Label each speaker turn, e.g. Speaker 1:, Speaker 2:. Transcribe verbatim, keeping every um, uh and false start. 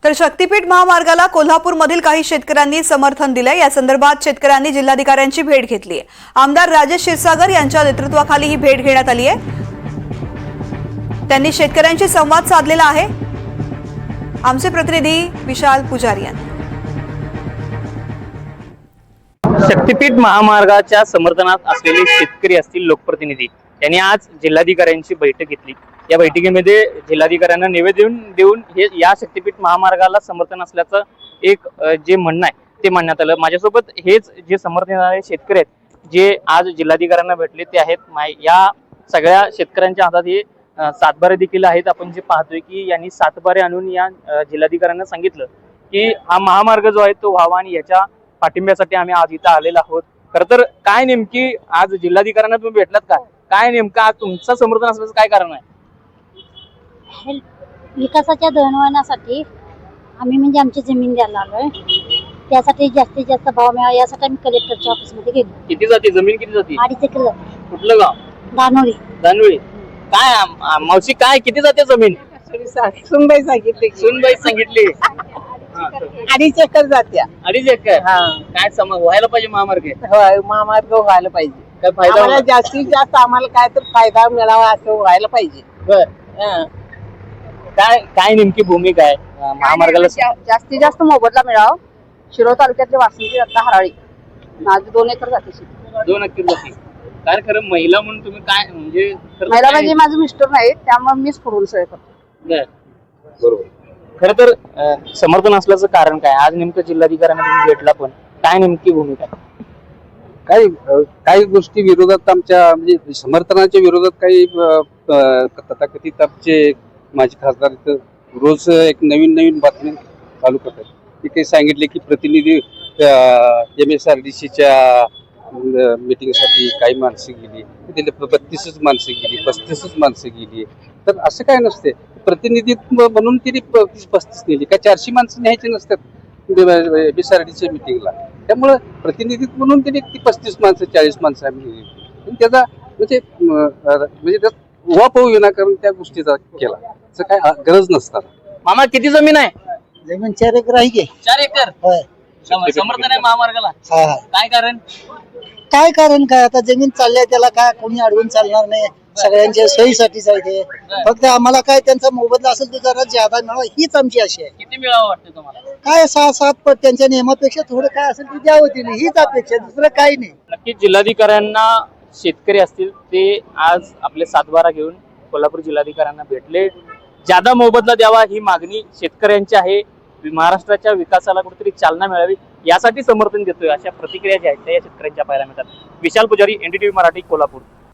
Speaker 1: तर शक्तीपीठ महामार्गाला कोल्हापूरमधील काही शेतकऱ्यांनी समर्थन दिले। या संदर्भात शेतकऱ्यांनी जिल्हाधिकाऱ्यांची भेट घेतली आहे। आमदार राजेश क्षीरसागर यांच्या नेतृत्वाखाली ही भेट घेण्यात आली आहे। त्यांनी शेतकऱ्यांशी संवाद साधलेला आहे। आमचे प्रतिनिधी विशाल पुजारी यांनी
Speaker 2: शक्तीपीठ महामार्गाच्या समर्थनात असलेले शेतकरी असतील लोकप्रतिनिधी यांनी आज जिल्हाधिकाऱ्यांची बैठक घेतली। या बैठकीमध्ये जिल्हाधिकाऱ्यांना निवेदन देऊन हे या शक्तीपीठ महामार्गाला समर्थन असल्याचं एक जे म्हणणं आहे ते मांडण्यात आलं। माझ्यासोबत हेच जे समर्थन देणारे शेतकरी आहेत जे आज जिल्हाधिकाऱ्यांना भेटले ते आहेत। या सगळ्या शेतकऱ्यांच्या हातात हे सातबारे देखील आहेत। आपण जे पाहतोय की यांनी सातबारे आणून या जिल्हाधिकाऱ्यांना सांगितलं की हा महामार्ग जो आहे तो व्हावा आणि याच्या पाठिंब्यासाठी आम्ही आज इथं आलेलो आहोत। खरं तर काय नेमकी आज जिल्हाधिकाऱ्यांना तुम्ही भेटलात का? काय नेमकं आज तुमचं समर्थन असल्याचं काय कारण आहे?
Speaker 3: विकासाच्या दळणवळणासाठी आम्ही म्हणजे आमची जमीन द्यायला आलोय, त्यासाठी जास्तीत जास्त भाव मिळावा यासाठी आम्ही कलेक्टरच्या ऑफिस मध्ये गेलो।
Speaker 2: किती जाती जमीन किती जाती?
Speaker 3: अडीच एकर जाते।
Speaker 2: कुठलं गाव?
Speaker 3: दानोळी।
Speaker 2: दानोळी। काय मावशी काय किती जाते जमीन?
Speaker 4: सुनबाई सांगितली
Speaker 2: सुनबाई सांगितली
Speaker 4: अडीच एकर जात्या।
Speaker 2: अडीच एकर। काय सम व्हायला पाहिजे महामार्ग?
Speaker 4: होय, महामार्ग व्हायला पाहिजे।
Speaker 2: काय फायदा
Speaker 4: आम्हाला जास्तीत जास्त आम्हाला काय तर फायदा मिळावा असं व्हायला पाहिजे।
Speaker 2: बर काय काय नेमकी भूमिका आहे महामार्गाला?
Speaker 5: जास्तीत जास्त मोबदला मिळावा। शिरोळ तालुक्यातले वासंती दत्ता हराळी माझी दोन एकर जाते शेती।
Speaker 2: दोन एकर जाते। काय खरं महिला म्हणून तुम्ही काय म्हणजे
Speaker 5: महिला म्हणजे माझे मिस्टर नाही त्यामुळे मीच पुढून सोय करतो।
Speaker 2: बरोबर। खरं तर समर्थन असल्याचं कारण काय? आज नेमकं जिल्हाधिकाऱ्यांना तुम्ही भेटला पण काय नेमकी भूमिका आहे?
Speaker 6: काही काही गोष्टी विरोधात आमच्या म्हणजे समर्थनाच्या विरोधात काही तथाकथित आमचे माजी खासदार रोज एक नवीन नवीन बातमी चालू करतात। ते काही सांगितले की प्रतिनिधी एम एस आर डी सीच्या मीटिंगसाठी काही माणसं गेली, तिथे बत्तीसच माणसं गेली, पस्तीसच माणसं गेली। तर असं काय नसते, प्रतिनिधित्व म्हणून तिने पस्तीस नेली का चारशे माणसं न्यायची नसतात एम एस आर डी च्या मीटिंगला। त्यामुळं प्रतिनिधित्व म्हणून तिने ती पस्तीस माणसं चाळीस माणसं आम्ही नेली। त्याचा म्हणजे म्हणजे वाप विनाकारण त्या गोष्टीचा केला असं काय गरज नसतात।
Speaker 2: मामा किती जमीन आहे?
Speaker 4: जमीन चार एकर आहे की?
Speaker 2: चार एकर।
Speaker 4: होय।
Speaker 2: समर्थन आहे महामार्गाला?
Speaker 4: हा हा।
Speaker 2: काय कारण?
Speaker 4: काय कारण काय, आता जमीन चालल्या त्याला काय कोणी अडवून चालणार नाही, सगळ्यांच्या सोयीसाठीच आहे ते। फक्त आम्हाला काय त्यांचा मोबदला असेल तो जरा ज्यादा मिळावा हीच आमची आशा आहे।
Speaker 2: किती मिळावं वाटतं तुम्हाला?
Speaker 4: काय सहा सात पट त्यांच्या नियमापेक्षा थोडं काय असेल ते द्यावं तिने हीच अपेक्षा, दुसरं काही नाही।
Speaker 2: नक्कीच जिल्हाधिकाऱ्यांना शेतकरी असतील ते आज आपले सातबारा घेऊन कोल्हापूर जिल्हाधिकाऱ्यांना भेटले। ज्यादा मोबदला द्यावा ही मागणी शेतकऱ्यांची आहे। महाराष्ट्राच्या विकासाला कुठेतरी चालना मिळावी यासाठी समर्थन देतोय अशा प्रतिक्रिया ज्या आहेत त्या शेतकऱ्यांच्या पाहायला मिळतात। विशाल पुजारी, एनडीटीव्ही मराठी, कोल्हापूर।